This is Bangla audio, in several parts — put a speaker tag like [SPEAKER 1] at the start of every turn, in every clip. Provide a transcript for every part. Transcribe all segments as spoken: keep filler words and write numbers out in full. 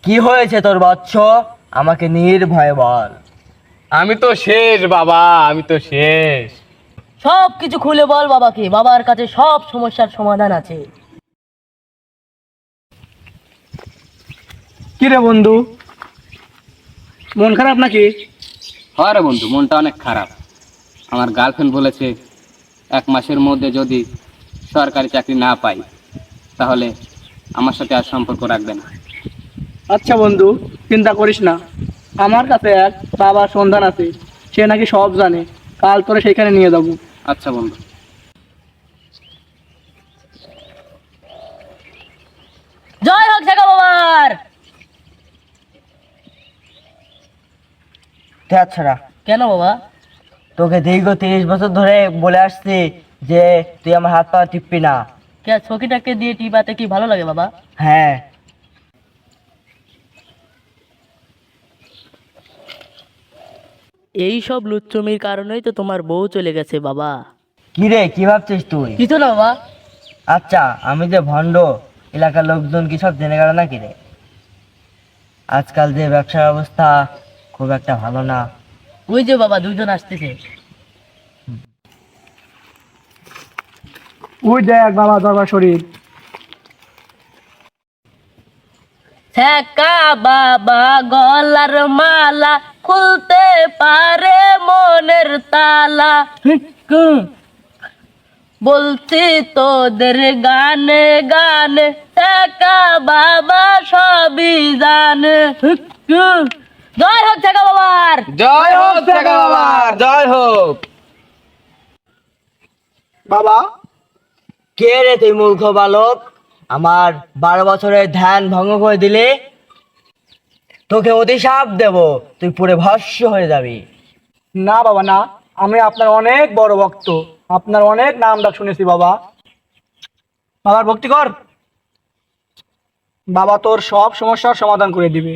[SPEAKER 1] কি হয়েছে তোর বৎস? আমাকে নির্ভয়ে বল।
[SPEAKER 2] আমি তো শেষ বাবা, আমি তো শেষ।
[SPEAKER 3] সব কিছু খুলে বল বাবাকে, বাবার কাছে সব সমস্যার সমাধান আছে।
[SPEAKER 4] কি রে বন্ধু, মন খারাপ নাকি?
[SPEAKER 2] হয় রে বন্ধু, মনটা অনেক খারাপ। আমার গার্লফ্রেন্ড বলেছে এক মাসের মধ্যে যদি সরকারি চাকরি না পাই তাহলে আমার সাথে আর সম্পর্ক রাখবে না।
[SPEAKER 4] আচ্ছা বন্ধু, চিন্তা করিস না, আমার কাছে এক বাবার সন্ধান আছে, সে নাকি সব জানে। কাল তোরে সেখানে নিয়ে যাবো।
[SPEAKER 2] আচ্ছা বন্ধু।
[SPEAKER 3] জয় হোক জাগা বাবার।
[SPEAKER 1] আচ্ছা,
[SPEAKER 3] কেন বাবা?
[SPEAKER 1] তোকে দীর্ঘ তিরিশ বছর ধরে বলে আসছি যে তুই আমার হাত পা টিপবি না।
[SPEAKER 3] কে ছকিটাকে দিয়ে টিপাতে কি ভালো লাগে বাবা?
[SPEAKER 1] হ্যাঁ,
[SPEAKER 3] এই সব লুচ্চমির কারণেই তো তোমার বউ চলে গেছে বাবা।
[SPEAKER 1] কি রে, কি ভাবছিস তুই?
[SPEAKER 3] কিছু না বাবা।
[SPEAKER 1] আচ্ছা, আমি যে ভণ্ড, এলাকার লোকজন কি সব জেনে গেল নাকি রে? আজকাল যে ব্যবসার অবস্থা খুব একটা ভালো না।
[SPEAKER 3] ওই যে বাবা দুজন আসতেছে।
[SPEAKER 4] ওই দেখ বাবা দরবার শরীফ।
[SPEAKER 3] ছ্যাঁকা বাবা গলার মালা, খুলতে পারে মনের তালা। বলছি তোদের গানে গানে, ছ্যাঁকা বাবা সবই জানে। জয় হোক ছ্যাঁকা বাবার।
[SPEAKER 2] জয় হোক টাকা বাবার, জয় হোক।
[SPEAKER 4] বাবা,
[SPEAKER 1] কে রে তুই মূর্খ বালক? আমার বারো বছরের ধ্যান ভঙ্গ করে দিলে তোকে অতিশাপ দেব, তুই পুরো ভস্য হয়ে যাবি।
[SPEAKER 4] না বাবা না, আমি আপনার অনেক বড় ভক্ত, আপনার অনেক নাম ডাক শুনেছি বাবা। বাবার ভক্তি কর, বাবা তোর সব সমস্যার সমাধান করে দিবে।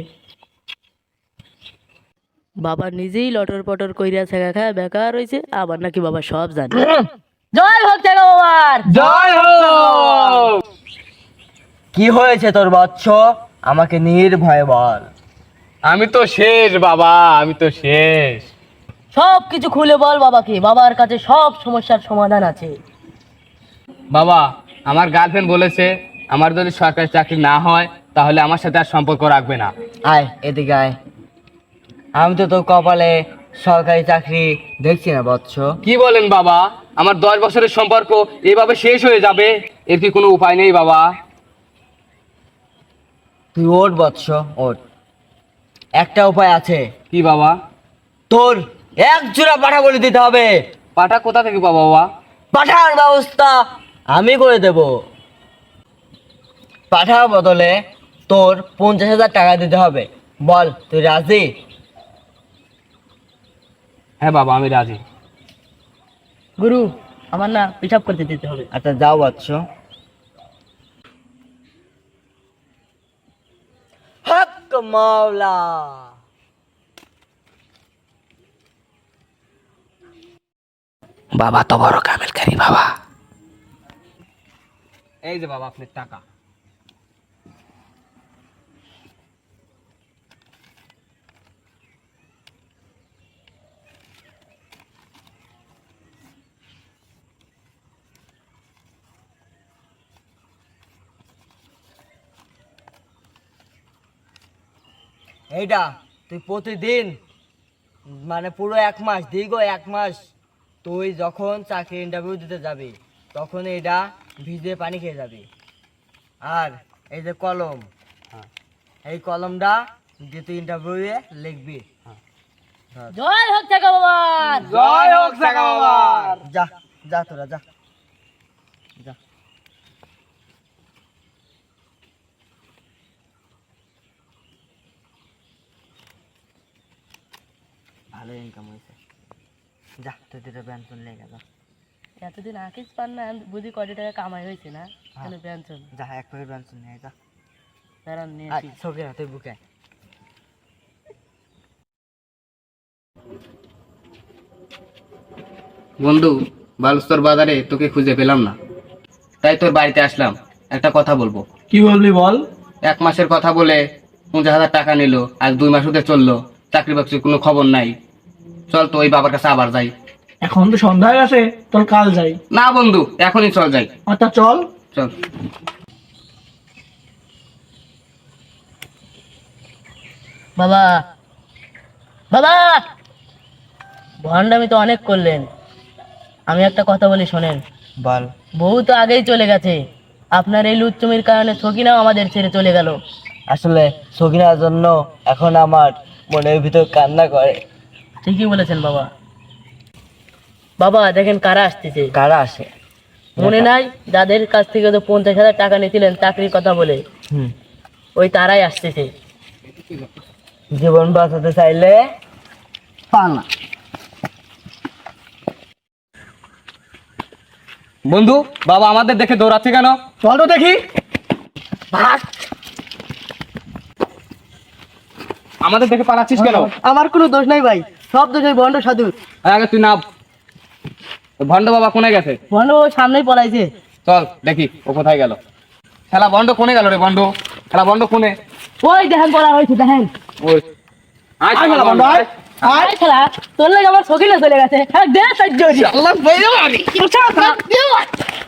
[SPEAKER 3] বাবা নিজেই লটর পটর কইরা ছ্যাঁকা খায় বেকার হইছে, আবার নাকি বাবা সব জানে। জয় হোক ছ্যাঁকা বাবার।
[SPEAKER 2] জয় হোক।
[SPEAKER 1] কি হয়েছে তোর বৎস? আমাকে নির্ভয়ে বল।
[SPEAKER 2] আমি তো শেষ বাবা, আমি তো শেষ।
[SPEAKER 3] সব কিছু খুলে বল বাবাকে, বাবার কাছে সব সমস্যার সমাধান আছে।
[SPEAKER 2] বাবা, আমার গার্লফ্রেন্ড বলেছে আমার যদি সরকারি চাকরি না হয় তাহলে আমার সাথে আর সম্পর্ক রাখবে না।
[SPEAKER 1] আয় এদিকে আয়। আমি তো তোর কপালে সরকারি চাকরি দেখছি না বৎস।
[SPEAKER 2] কি বলেন বাবা, আমার দশ বছরের সম্পর্ক এভাবে শেষ হয়ে যাবে? এর কি কোনো উপায় নেই বাবা?
[SPEAKER 1] তুই ওঠ বৎস, ওঠ। একটা উপায় আছে।
[SPEAKER 2] কি বাবা?
[SPEAKER 1] তোর এক জোড়া পাঠা বলে দিতে হবে।
[SPEAKER 2] পাটা কোথা থেকে পাবো বাবা?
[SPEAKER 1] পাঠার ব্যবস্থা আমি করে দেব। পাঠার বদলে তোর পঞ্চাশ হাজার টাকা দিতে হবে। বল, তুই রাজি?
[SPEAKER 2] হ্যাঁ বাবা, আমি রাজি।
[SPEAKER 3] গুরু, আমার না পিসাব করতে দিতে হবে।
[SPEAKER 1] আচ্ছা যাও বৎস। হক মাওলা।
[SPEAKER 2] বাবা তো বড় কামেলকারী বাবা। এই যে বাবা আপনার টাকা।
[SPEAKER 1] এইটা তুই প্রতিদিন, মানে পুরো এক মাস, দীর্ঘ এক মাস তুই যখন চাকরি ইন্টারভিউ দিতে যাবি তখন এইটা ভিজে পানি খেয়ে যাবি। আর এই যে কলম, এই কলমটা যে তুই ইন্টারভিউয়ে লিখবি।
[SPEAKER 3] জয় হোক ছ্যাঁকা বাবার।
[SPEAKER 2] জয় হোক টাকা বাবার।
[SPEAKER 1] যা যা তোরা যা যা। ভালো ইনকাম হয়েছে। যা তুই দুটো পেনশন লেগে যা।
[SPEAKER 3] এতদিন আকিস পান না, বুঝি কয়টি টাকা কামাই হয়েছে না? কেন পেনশন?
[SPEAKER 1] যা এক প্যাকেট পেনশন নিয়ে যা।
[SPEAKER 3] দাঁড়ান নিয়ে
[SPEAKER 1] আর
[SPEAKER 3] আসি।
[SPEAKER 1] ছবি না তুই বুকে।
[SPEAKER 2] বন্ধু, বালুস্তর বাজারে তোকে খুঁজে পেলাম না, তাই তোর বাড়িতে আসলাম। একটা কথা বলবো।
[SPEAKER 4] কি বলবি বল।
[SPEAKER 2] এক মাসের কথা বলে পঞ্চাশ হাজার টাকা নিল, আজ দুই মাস হতে চললো, চাকরি বাকরির কোনো খবর নাই। চল তো ওই বাবার কাছে আবার যাই।
[SPEAKER 4] এখন তো সন্ধ্যা হয়ে গেছে, তোর কাল যাই।
[SPEAKER 2] না বন্ধু, এখনই চল যাই।
[SPEAKER 4] আচ্ছা চল।
[SPEAKER 2] চল।
[SPEAKER 3] বাবা, বাবা, ভণ্ডামি তো অনেক করলেন। আমি একটা কথা বলি শোনেন।
[SPEAKER 1] বল।
[SPEAKER 3] বউ তো আগেই চলে গেছে, আপনার এই লুচ্চমির কারণে সকিনাও আমাদের ছেড়ে চলে গেল।
[SPEAKER 1] আসলে সকিনার জন্য এখন আমার মনের ভিতর কান্না করে।
[SPEAKER 3] ঠিকই বলেছেন বাবা। বাবা দেখেন কারা আসতেছে।
[SPEAKER 1] কারা আসে?
[SPEAKER 3] মনে নাই যাদের কাছ থেকে তো পঞ্চাশ হাজার টাকা নিয়েছিলেন চাকরির কথা বলে,
[SPEAKER 1] হুম।
[SPEAKER 3] ওই তারাই আসতেছে।
[SPEAKER 1] জীবন বাঁচাতে চাইলে পানা।
[SPEAKER 2] বন্ধু, বাবা আমাদের দেখে দৌড়াচ্ছে কেন?
[SPEAKER 4] চল তো দেখি।
[SPEAKER 2] আমাদের দেখে পালাচ্ছিস কেন?
[SPEAKER 3] আমার কোনো দোষ নাই ভাই, সব দোষ ওই ভণ্ড সাধুর।
[SPEAKER 2] আগে তুই নাম। ভণ্ড বাবা কোনে গেছে?
[SPEAKER 3] ভণ্ড ওই সামনেই পলাইছে।
[SPEAKER 2] চল দেখি ও কোথায় গেল। খেলা বন্ড কোনে গেল রে? বন্ড খেলা বন্ড কোনে?
[SPEAKER 3] ওই দেখেন পলা হয়েছে, দেখেন।
[SPEAKER 2] ওই আয় খেলা বন্ড, আয়।
[SPEAKER 3] আয় খেলা, তোর লাগে আমার সকিনা চলে গেছে। হ্যাঁ দে সহ্য।
[SPEAKER 2] আল্লাহ বাইরে মারি।